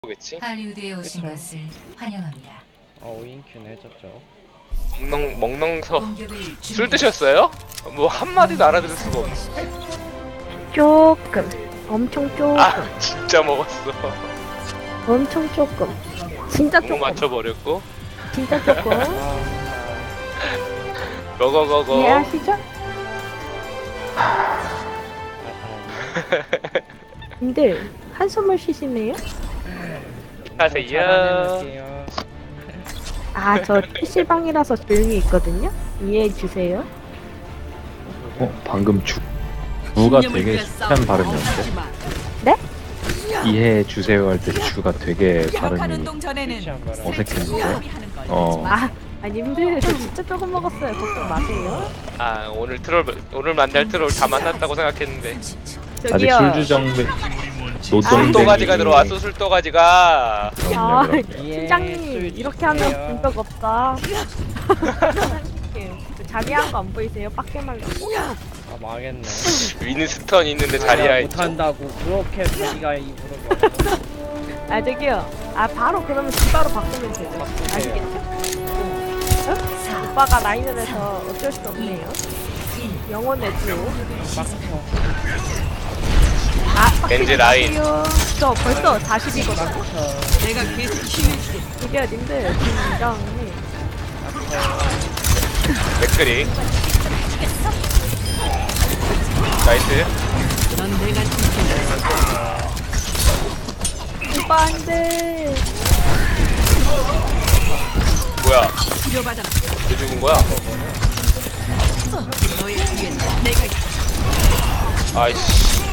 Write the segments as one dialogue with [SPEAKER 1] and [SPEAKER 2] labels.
[SPEAKER 1] 겠지?
[SPEAKER 2] 할리우드에 오신
[SPEAKER 3] 그쵸.
[SPEAKER 2] 것을 환영합니다.
[SPEAKER 3] 오인큐는 해줬죠.
[SPEAKER 1] 먹농서
[SPEAKER 2] 공격을
[SPEAKER 1] 술
[SPEAKER 2] 준비.
[SPEAKER 1] 드셨어요? 뭐 한마디도 알아들을 수가 없네.
[SPEAKER 4] 조금 엄청 조금
[SPEAKER 1] 아 진짜 먹었어.
[SPEAKER 4] 엄청 조금 진짜
[SPEAKER 1] 너무
[SPEAKER 4] 조금
[SPEAKER 1] 맞춰버렸고.
[SPEAKER 4] 진짜 조금
[SPEAKER 1] 거거거거.
[SPEAKER 4] 이해하시죠? 님들 한숨을 쉬시네요?
[SPEAKER 1] 하세요.
[SPEAKER 4] 아 저 PC방이라서 조용히 있거든요? 이해해주세요.
[SPEAKER 5] 방금 주가 되게 습한 발음이었는데?
[SPEAKER 4] 네?
[SPEAKER 5] 이해해 주세요 할 때 주가 되게
[SPEAKER 6] 야간
[SPEAKER 5] 발음이
[SPEAKER 6] 운동 전에는
[SPEAKER 5] 어색했는데?
[SPEAKER 4] 아 님들 저 진짜 조금 먹었어요. 걱정 마세요.
[SPEAKER 1] 아 오늘 만날 트롤 다 만났다고 생각했는데.
[SPEAKER 5] 아직
[SPEAKER 4] 저기요
[SPEAKER 5] 술주정배 노동댕이
[SPEAKER 1] 술도가지가 들어왔어. 술도가지가.
[SPEAKER 4] 아
[SPEAKER 5] 그럼요.
[SPEAKER 4] 팀장님 이렇게 하면 본 적 없다. 그 자리한 거 안 보이세요? 빡게 말라고.
[SPEAKER 3] 아 망했네.
[SPEAKER 1] 윈스턴 있는데 자리야 있죠.
[SPEAKER 3] 못한다고 그렇게 자기가 입으로 말해.
[SPEAKER 4] 아 저기요. 아 바로 그러면 주가로 바꾸면 되죠.
[SPEAKER 3] 바꾸세요.
[SPEAKER 4] 아시겠죠? 어? 오빠가 라인을 해서 어쩔 수 없네요. 영혼의 주.
[SPEAKER 3] 빡쳐.
[SPEAKER 4] 아
[SPEAKER 1] 겐지 라인.
[SPEAKER 4] 저 벌써 40이거든요.
[SPEAKER 6] 내가 계속 키워줄게.
[SPEAKER 4] 이게 님들 진정해.
[SPEAKER 1] 맥크리. 나이스.
[SPEAKER 6] 넌 내가 지켜줄
[SPEAKER 4] 오빠 안돼.
[SPEAKER 1] 뭐야?
[SPEAKER 6] 치료받아.
[SPEAKER 1] 왜 죽은 거야?
[SPEAKER 6] 너의 뒤엔 내가 있어.
[SPEAKER 1] 아이씨.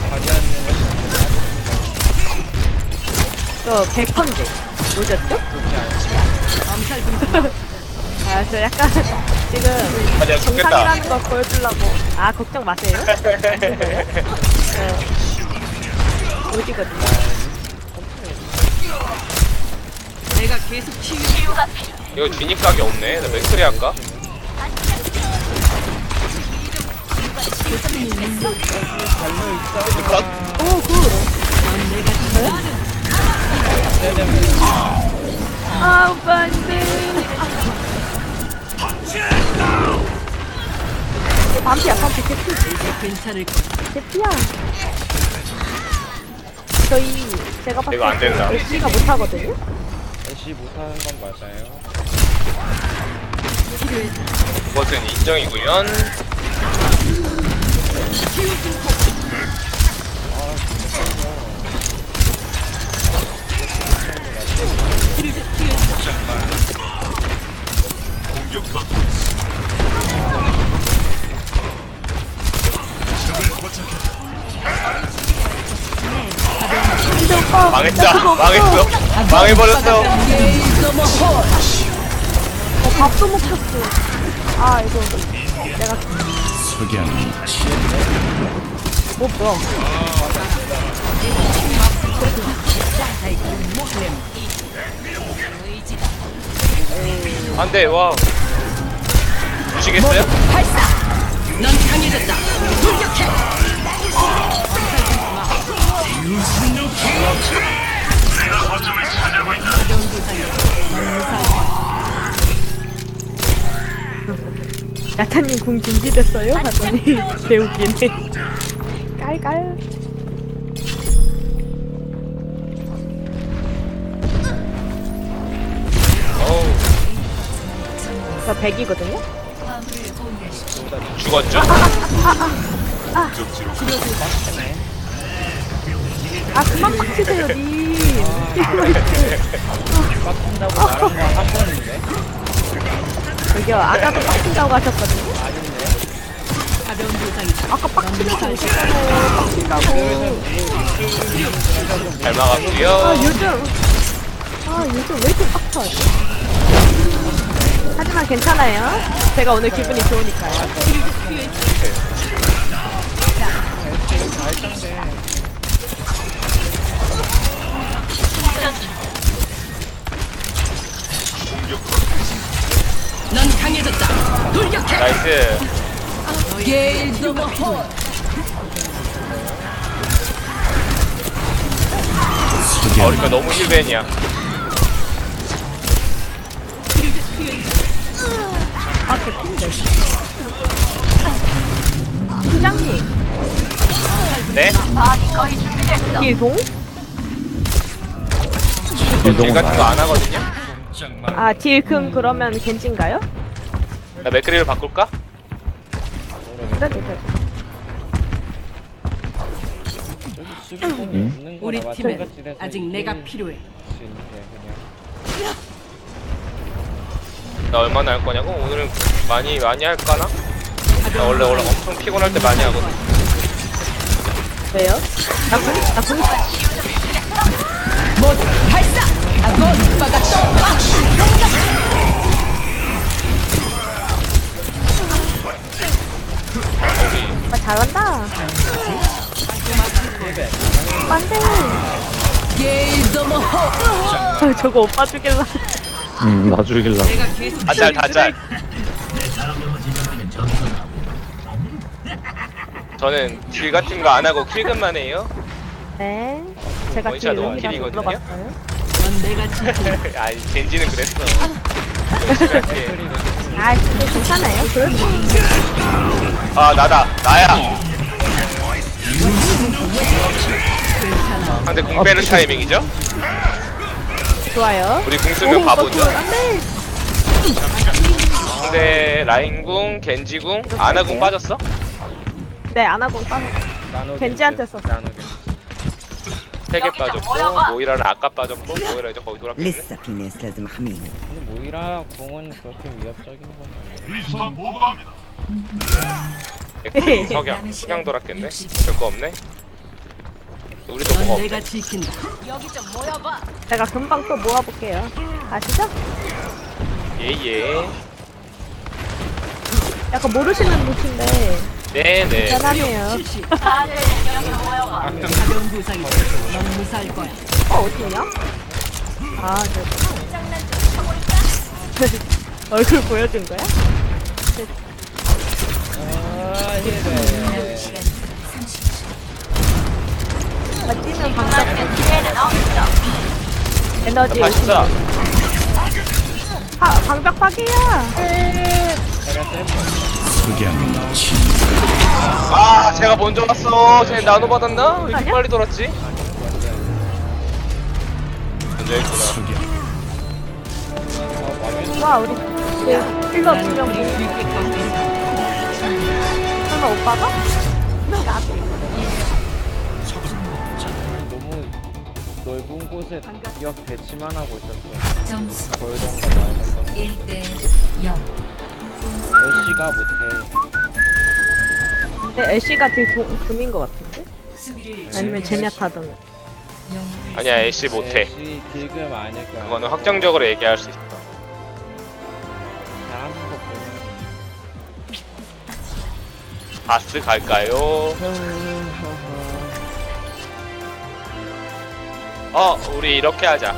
[SPEAKER 4] 저 100컨데 오셨죠?
[SPEAKER 6] 엄살 분들.
[SPEAKER 4] 아 저 약간 지금
[SPEAKER 1] 아 내가 죽겠다.
[SPEAKER 4] 정상이라는 걸 보여주려고. 아 걱정 마세요. 오지거든요.
[SPEAKER 6] 내가 계속 키워줄게.
[SPEAKER 1] 이거 진입각이 없네. 나 맥크리 할까? 컷.
[SPEAKER 6] 넌 내가 지켜줄
[SPEAKER 4] 아 오빠 안돼. 반피야 반피 개피
[SPEAKER 6] 괜찮을 거야.
[SPEAKER 4] 개피야. 저희 제가 봤을
[SPEAKER 1] 이거 안 된다.
[SPEAKER 4] 때 애쉬가 못하거든요.
[SPEAKER 3] 애쉬 못하는 건 맞아요.
[SPEAKER 1] 그것은 인정이구요.
[SPEAKER 4] 근데 오빠
[SPEAKER 1] 망했다. 망했어. 망해버렸어.
[SPEAKER 4] 밥도 못 줬어. 아 이거 내가 뭐야?
[SPEAKER 1] 안돼. 와. 주시겠어요?
[SPEAKER 6] 넌 강해졌다. 돌격해.
[SPEAKER 4] 야타님 궁 준비됐어요? 하더니 개웃기네. 깔깔.
[SPEAKER 1] 어우.
[SPEAKER 4] 저 100이거든요?
[SPEAKER 2] 화물을 공유하십시오.
[SPEAKER 1] 죽었죠?
[SPEAKER 4] 아 그만 빡치세요 님.
[SPEAKER 3] 빡친다고 말한 거 한 번인데.
[SPEAKER 4] 저기요 아까도 빡친다고 하셨거든요?
[SPEAKER 6] 가벼운 부상이다.
[SPEAKER 4] 아까 빡치다고 하셨잖아요. 빡친다고.
[SPEAKER 1] 잘 막았고요.
[SPEAKER 4] 아 요즘 왜 이렇게 빡쳐하지? 하지만 괜찮아요. 제가 오늘 기분이 좋으니까요.
[SPEAKER 6] 넌 강해졌다. 돌격해.
[SPEAKER 1] 나이스.
[SPEAKER 6] 게일 너머 홀.
[SPEAKER 1] 그러니까 너무 힐벤이야.
[SPEAKER 4] 아, 개핀데. 팀장님,
[SPEAKER 1] 네?
[SPEAKER 4] 길동?
[SPEAKER 1] 딜
[SPEAKER 5] 이동은
[SPEAKER 1] 같은 거
[SPEAKER 5] 나야.
[SPEAKER 1] 안 하거든요?
[SPEAKER 4] 아, 딜금 그러면 겐진가요?
[SPEAKER 1] 나 맥크리를 바꿀까?
[SPEAKER 4] 그래, 그래.
[SPEAKER 3] 저기 수비공이
[SPEAKER 5] 응?
[SPEAKER 3] 없는
[SPEAKER 6] 우리
[SPEAKER 3] 거나
[SPEAKER 6] 팀엔
[SPEAKER 3] 마찬가지라서
[SPEAKER 6] 아직
[SPEAKER 3] 이길
[SPEAKER 6] 내가 필요해.
[SPEAKER 3] 수 있는데 그냥
[SPEAKER 1] 나 얼마나 할 거냐고? 오늘은 많이 할까나? 나 원래 엄청 피곤할 때 많이 하거든.
[SPEAKER 4] 왜요? 나 군,
[SPEAKER 6] 모두 발사! 아군 오빠가 또
[SPEAKER 4] 아, 잘한다. 안돼.
[SPEAKER 6] 게일더머
[SPEAKER 4] 저거 오빠 죽일라.
[SPEAKER 5] 나 죽일라.
[SPEAKER 6] 내가 계속
[SPEAKER 1] 다짤. 저는 딜 같은 거 안 하고 킬금만 해요.
[SPEAKER 4] 네. 제가
[SPEAKER 1] 원샷
[SPEAKER 4] 딜
[SPEAKER 1] 원킬이거든요?
[SPEAKER 4] 용이라서 물어봤어요.
[SPEAKER 6] 넌 내가 지킨
[SPEAKER 1] 아니 젠지는 그랬어. 열심히 할게.
[SPEAKER 4] 아, 근데 괜찮아요. 그럴 수
[SPEAKER 1] 아 나야. 상대 궁 빼는 타이밍이죠?
[SPEAKER 4] 좋아요.
[SPEAKER 1] 우리 궁 쓰면 바보죠.
[SPEAKER 4] 안돼.
[SPEAKER 1] 상대 라인궁, 겐지궁, 아나궁 빠졌어?
[SPEAKER 4] 네, 안 하고 빠져.
[SPEAKER 3] 나노
[SPEAKER 4] 겐지한테 썼어.
[SPEAKER 3] 나노 겐지
[SPEAKER 1] 3개 빠졌고 모이라는 아까 빠졌고 모이라 이제 거기 돌았겠네.
[SPEAKER 7] لسه في ناس لازم احميهم.
[SPEAKER 3] 근데 모이라 공은 그렇게 위협적인 건 아니에요.
[SPEAKER 1] 석양 돌았겠네? 별거 없네? 우리도 뭐가
[SPEAKER 6] 넌
[SPEAKER 1] 없네.
[SPEAKER 6] 내가 지킨다.
[SPEAKER 4] 제가 금방 또 모아볼게요. 아시죠?
[SPEAKER 1] 예예.
[SPEAKER 4] 약간 모르시는 분인데
[SPEAKER 1] 네네.
[SPEAKER 4] 대단해요.
[SPEAKER 6] 가벼운 부상이다. 넌 무사할 거야.
[SPEAKER 4] 어디냐? 아, 네. 얼굴 보여준 거야?
[SPEAKER 3] 아 힐벤
[SPEAKER 4] 뛰는 방법. 에너지
[SPEAKER 1] 다시자.
[SPEAKER 4] 방벽 파괴야.
[SPEAKER 3] 내가 셀프
[SPEAKER 1] 아 제가 먼저 왔어. 쟤 나노 받았나? 왜 이렇게
[SPEAKER 4] 아니야?
[SPEAKER 1] 빨리 돌았지? 먼저 했구나.
[SPEAKER 4] 와, 우리 힐러 2명 설마 오빠가? 나도.
[SPEAKER 3] 너무 넓은 곳에 기억 배치만 하고 있었어.
[SPEAKER 2] 점수
[SPEAKER 3] 골동과 나이가
[SPEAKER 2] 1대 0.
[SPEAKER 3] 애쉬가 못해.
[SPEAKER 4] 근데 애쉬가 되게 금인 것 같은데?
[SPEAKER 2] 수비를
[SPEAKER 4] 아니면 제냐타든.
[SPEAKER 1] 아니야 애쉬 못해.
[SPEAKER 3] 애쉬 딜금 아닐 거야.
[SPEAKER 1] 그거는 확정적으로 얘기할 수 있어.
[SPEAKER 3] 잘하는 거
[SPEAKER 1] 바스 갈까요? 우리 이렇게 하자.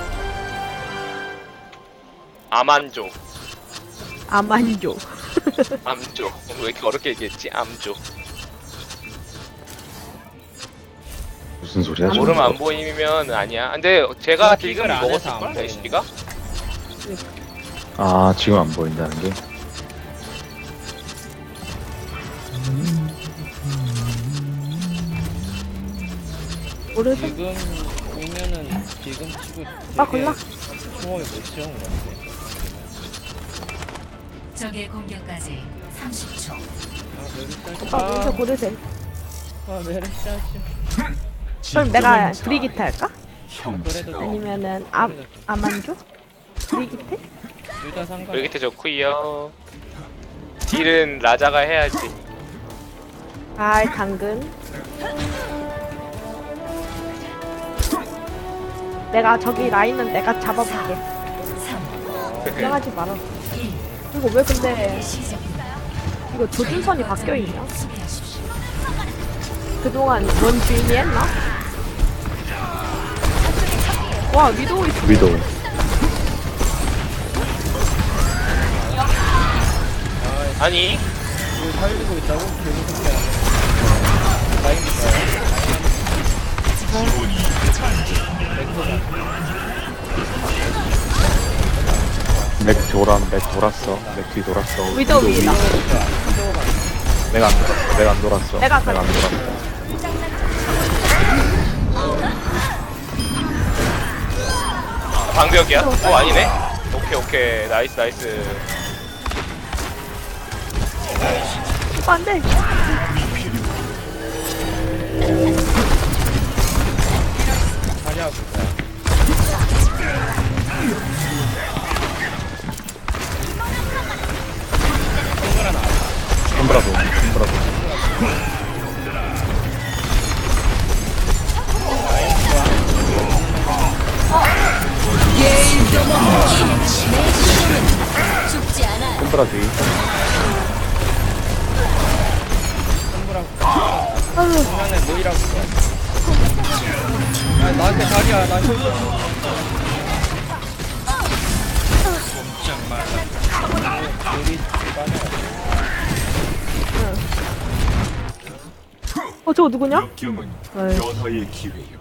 [SPEAKER 1] 아만조.
[SPEAKER 4] 아만조.
[SPEAKER 1] 암조. 왜 이렇게 어렵게 얘기했지? 암조.
[SPEAKER 5] 무슨 소리야?
[SPEAKER 1] 모르면 안 보이면 아니야. 근데 제가 딜금
[SPEAKER 3] 픽을 안 해서
[SPEAKER 1] 먹었을걸?
[SPEAKER 3] 안 보이네.
[SPEAKER 1] 애쉬가?
[SPEAKER 5] 아 지금 안 보인다는 게?
[SPEAKER 4] 모르겠어.
[SPEAKER 3] 지금이면은 지금 치고
[SPEAKER 4] 아, 골라.
[SPEAKER 3] 소음이 못 채운 것 같아.
[SPEAKER 2] 적의 공격까지 30초.
[SPEAKER 4] 오빠 먼저 고르세요.
[SPEAKER 3] 아 메르시아지.
[SPEAKER 4] 그럼 내가 브리기트 할까?
[SPEAKER 3] 그래도 돼.
[SPEAKER 4] 아니면은 아만조? 브리기트?
[SPEAKER 3] 둘다 상관.
[SPEAKER 1] 여기 좋구요. 딜은 라자가 해야지.
[SPEAKER 4] 아, 당근. 내가 저기 라인은 내가 잡아볼게.
[SPEAKER 2] 3,
[SPEAKER 4] 걱정하지 마라.
[SPEAKER 2] 1.
[SPEAKER 4] 이거 왜 근데
[SPEAKER 2] 시작입니다.
[SPEAKER 4] 이거 조준선이 바뀌어있냐?
[SPEAKER 2] 수비하십시오.
[SPEAKER 4] 그동안 원 주인이 했나? 와, 위도우 있어.
[SPEAKER 5] 위도우.
[SPEAKER 1] 아니
[SPEAKER 3] 이걸 살리고 있다고? 개무섭게 하네. 라인인가요?
[SPEAKER 5] 맥 돌았어. 맥 뒤 돌았어.
[SPEAKER 4] 위도 위다.
[SPEAKER 5] 내가 안 돌았어. 내가 안 돌았어.
[SPEAKER 4] 내가
[SPEAKER 5] 안 돌았어.
[SPEAKER 1] 방벽이야? 아니네. 오케이 나이스.
[SPEAKER 4] 안 돼.
[SPEAKER 3] 자리야 보자.
[SPEAKER 5] 손브라도. 손브라 뒤.
[SPEAKER 3] 중간에 모이라고 써. 아, 나한테 자리야. 나 힐. 우리 빠져.
[SPEAKER 4] 저거 누구냐?
[SPEAKER 7] 역경은
[SPEAKER 4] 아유.
[SPEAKER 7] 변화의 기회요.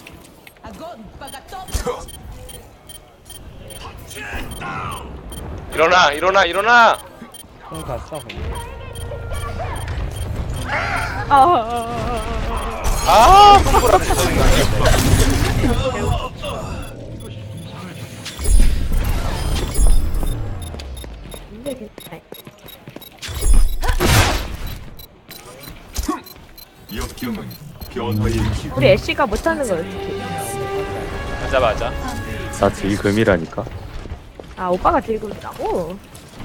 [SPEAKER 1] 일어나.
[SPEAKER 3] 공 갔어.
[SPEAKER 1] 아, 손보라 부서진다.
[SPEAKER 4] 근데 괜찮아.
[SPEAKER 7] 역경은 변화의 기회.
[SPEAKER 4] 우리 애쉬가 못하는 걸 어떻게?
[SPEAKER 1] 맞아.
[SPEAKER 5] 나 딜금이라니까.
[SPEAKER 4] 아 오빠가 들고 있다고?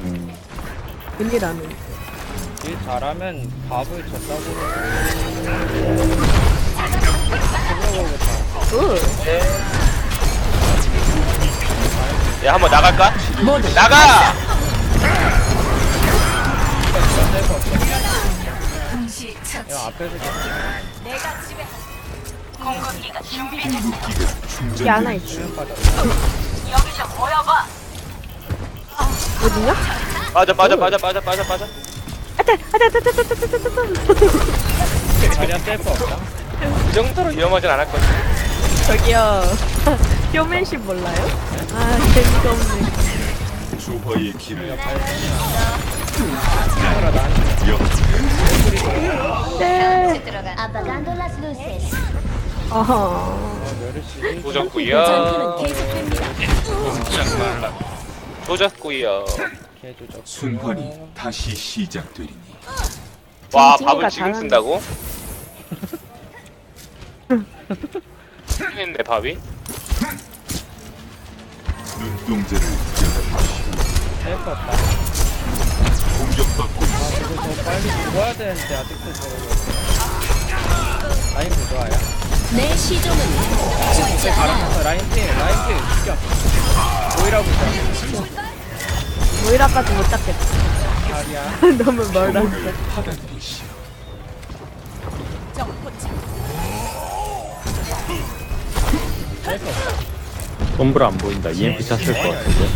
[SPEAKER 4] 웬일하는?
[SPEAKER 3] 일 잘하면 밥을 줬다고.
[SPEAKER 1] 야, 한번 나갈까? 나가!
[SPEAKER 2] 동시 처치.
[SPEAKER 3] 야, 앞에서
[SPEAKER 4] 이게 하나 있어.
[SPEAKER 3] 수면 빠져.
[SPEAKER 4] 어디냐?
[SPEAKER 1] 빠져.
[SPEAKER 3] 자리야 셀프 없다.
[SPEAKER 1] 그 정도로 위험하진 않았거든.
[SPEAKER 4] 저기요. 쇼맨십 몰라요? 아 재미가 없네.
[SPEAKER 7] 조화의 기회.
[SPEAKER 3] 친구라 나한테.
[SPEAKER 4] 네.
[SPEAKER 8] Apagando las luces.
[SPEAKER 4] 어허.
[SPEAKER 3] 메르시.
[SPEAKER 1] 조졌구요.
[SPEAKER 3] 개조적.
[SPEAKER 7] 순환이 다시 시작되리니
[SPEAKER 1] 와,
[SPEAKER 4] 징징이가
[SPEAKER 1] 밥을 지금
[SPEAKER 4] 잘하네.
[SPEAKER 1] 쓴다고? 했네, 밥이.
[SPEAKER 7] 눈동자를 열어주시오.
[SPEAKER 3] 셀프 없다.
[SPEAKER 7] 공격받고 있습니다.
[SPEAKER 3] 이거 더 빨리 죽어야 되는데 아직도 저러고 있어. 라인 부조화야.
[SPEAKER 8] 내 시종은 죽지 않아.
[SPEAKER 3] 알아서 라인 팀 죽여. 모이라 부자.
[SPEAKER 4] 모이라까지 못 잡겠다.
[SPEAKER 3] 자리야.
[SPEAKER 4] 너무 멀어.
[SPEAKER 7] 공을 받아들이시오.
[SPEAKER 3] 셀프 없다.
[SPEAKER 5] 손브라 안 보인다. EMP 찼을 것 같은데.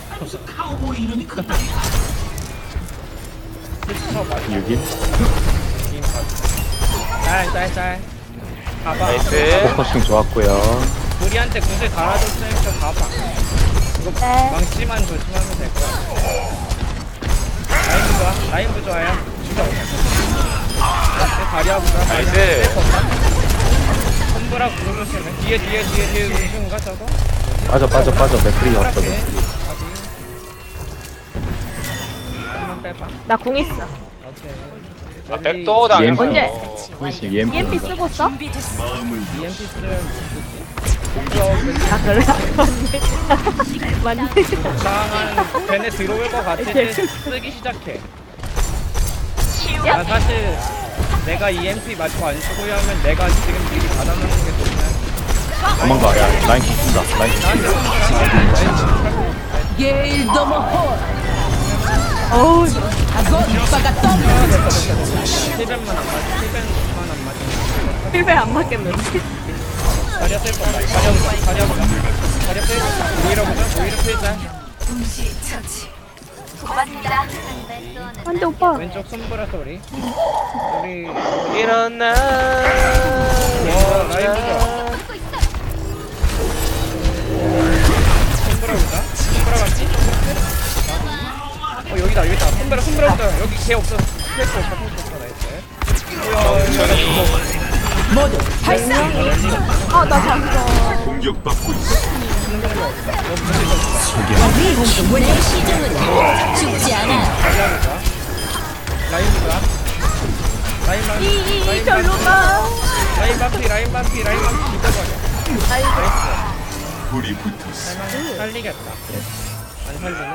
[SPEAKER 3] 스쳐 맞아.
[SPEAKER 5] 6인?
[SPEAKER 3] 긴 가. 짤. 가봐.
[SPEAKER 1] 나이스.
[SPEAKER 5] 포커싱 좋았고요.
[SPEAKER 3] 우리한테 구슬 갈아줬으니까 가봐. 이거
[SPEAKER 4] 네.
[SPEAKER 3] 망치만 조심하면 될 거야. 라인 부조화야. 죽여. 내 다리 아프다.
[SPEAKER 1] 나이스.
[SPEAKER 3] 손브라 구르시네. 뒤에 음식인가 저거?
[SPEAKER 5] 빠져. 맥크리 왔어.
[SPEAKER 3] 손브라
[SPEAKER 5] 맥크리.
[SPEAKER 3] 한번 빼봐.
[SPEAKER 4] 나 궁 있어.
[SPEAKER 3] 오케이.
[SPEAKER 1] 아, 백도 당했어.
[SPEAKER 4] 언제?
[SPEAKER 5] 혹시 EMP
[SPEAKER 4] EMP
[SPEAKER 5] 온다.
[SPEAKER 4] 쓰고 써?
[SPEAKER 7] 마음을
[SPEAKER 3] EMP 쓰면 공격
[SPEAKER 4] 아 그래? 맞네.
[SPEAKER 3] 이상한 걔네 들어올 것 같을 때 쓰기 시작해. 나 사실 내가 EMP 맞고 안 쓰고 하면 내가 지금 미리 받아놓는 게 좋냐.
[SPEAKER 5] 도망가. 야, 라인 킥힌다. 라인 킥힌다.
[SPEAKER 6] 게일 너머 홀.
[SPEAKER 4] 어우
[SPEAKER 6] 아건 오빠가 떠.
[SPEAKER 3] 700만 안 맞아.
[SPEAKER 4] 필배 안 맞겠네.
[SPEAKER 3] 자리야 셀 거다. 자리야 보자. 자리야 빼. 오히려 빼자.
[SPEAKER 2] 동시 처치.
[SPEAKER 4] 안돼 오빠.
[SPEAKER 3] 왼쪽 손보라 소리. 우리
[SPEAKER 1] 일어나.
[SPEAKER 3] 라인 보자. 걔 없어. 스트레스 없어. 나이스.
[SPEAKER 1] 천천히.
[SPEAKER 6] 모두 발사.
[SPEAKER 4] 나 잠깐.
[SPEAKER 7] 공격받고 있어.
[SPEAKER 8] 내 시종은 죽지 않아.
[SPEAKER 3] 라인이가. 라인만.
[SPEAKER 4] 절로 가.
[SPEAKER 3] 라인 반피. 죽어버려.
[SPEAKER 4] 나이스.
[SPEAKER 7] 불이 붙었어.
[SPEAKER 3] 살리겠다. 안 살리네.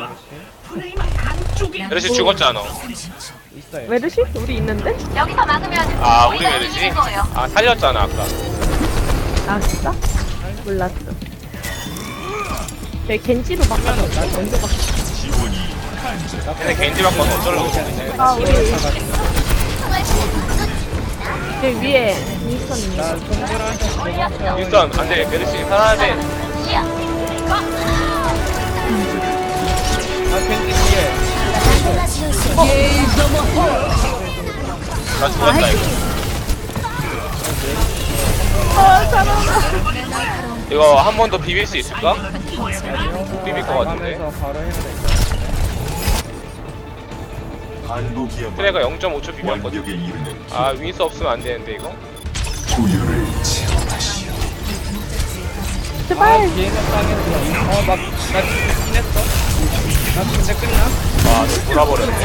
[SPEAKER 1] 메르시 죽었잖아.
[SPEAKER 3] 있어요.
[SPEAKER 4] 메르시? 우리 있는데?
[SPEAKER 1] 아 우리 메르시? 아 살렸잖아 아까.
[SPEAKER 4] 아 진짜? 몰랐어. 내 겐지로 바꿔서 나 먼저 바꿔.
[SPEAKER 7] 지원이
[SPEAKER 1] 근데 겐지 바꿔서 어쩌려고.
[SPEAKER 4] 아 우리 저 위에 윈스턴
[SPEAKER 3] 나
[SPEAKER 4] 있는
[SPEAKER 3] 손들한테 도망쳐.
[SPEAKER 1] 윈스턴 안돼 메르시 살아야 돼.
[SPEAKER 3] 아 캔디 뒤에.
[SPEAKER 8] 간돌라스 루세스.
[SPEAKER 6] 게일 더머 홀.
[SPEAKER 1] 나 죽었다 이거. 이거 한 번 더 비빌 수 있을까? 비빌 것 같은데.
[SPEAKER 3] 나가면서 바로 해야 돼.
[SPEAKER 7] 반복이야말로
[SPEAKER 1] 트레가 0.5초 비볐거든.
[SPEAKER 7] 완벽에 이르는
[SPEAKER 1] 아 윈스 없으면 안 되는데 이거.
[SPEAKER 7] 조율을 채워다시오.
[SPEAKER 4] 제발.
[SPEAKER 3] 뒤에는 땅에서 나 죽긴 했어. 나 근데 끝나?
[SPEAKER 1] 아너 돌아버렸네.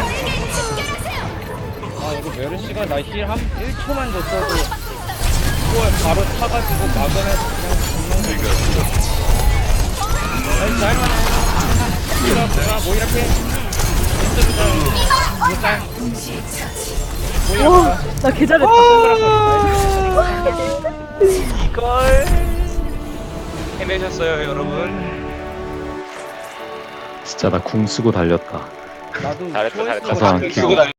[SPEAKER 3] 아 이거 메르시가 나 힐 한 1초만 줬어도 그걸 바로 타가지고 막으면서 그냥 죽는 거. 나이스 할만해. 뭐 이렇게
[SPEAKER 4] 와, 나 개잘했다.
[SPEAKER 1] 이걸 해내셨어요 여러분.
[SPEAKER 5] 진짜 나 궁 쓰고 달렸다.
[SPEAKER 3] 나도
[SPEAKER 1] 잘했다
[SPEAKER 3] 초이스
[SPEAKER 1] 잘했다.
[SPEAKER 5] 가서
[SPEAKER 1] 쓰고 다니-